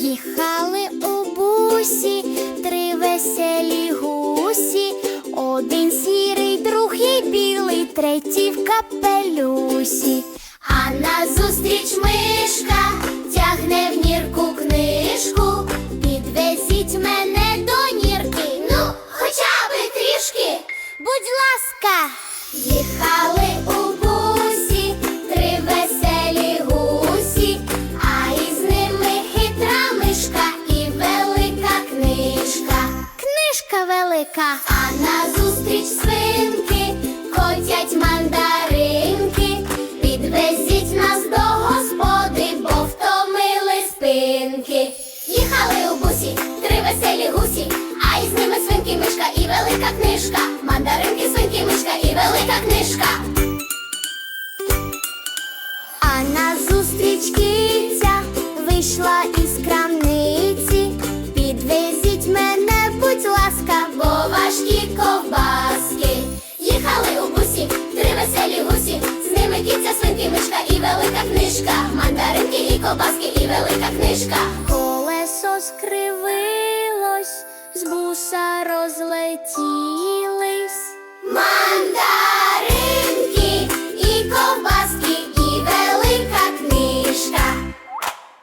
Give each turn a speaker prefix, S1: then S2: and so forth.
S1: Їхали у бусі три веселі гусі. Один сірий, другий білий, третій в капелюсі. А назустріч мишка тягне в нірку книжку. Підвезіть мене до нірки, ну, хоча би трішки. Будь ласка. Їхали у бусі три веселі гусі, а із ними хитра мишка і велика книжка. Книжка велика. А назустріч свинки котять мандаринки. Підвезіть нас до господи, бо втомили спинки. Їхали у бусі три веселі гусі, а із ними свинки, мишка і велика книжка. Мандаринки, свинки, мишка і велика книжка. А назустріч киця вийшла із крамниці. Підвезіть мене, будь ласка, бо важкі ковбаски. Їхали у бусі три веселі гусі, з ними киця, свинки, мишка і велика книжка. Мандаринки і ковбаски і велика книжка. Колесо скривилось, з буса розлетіли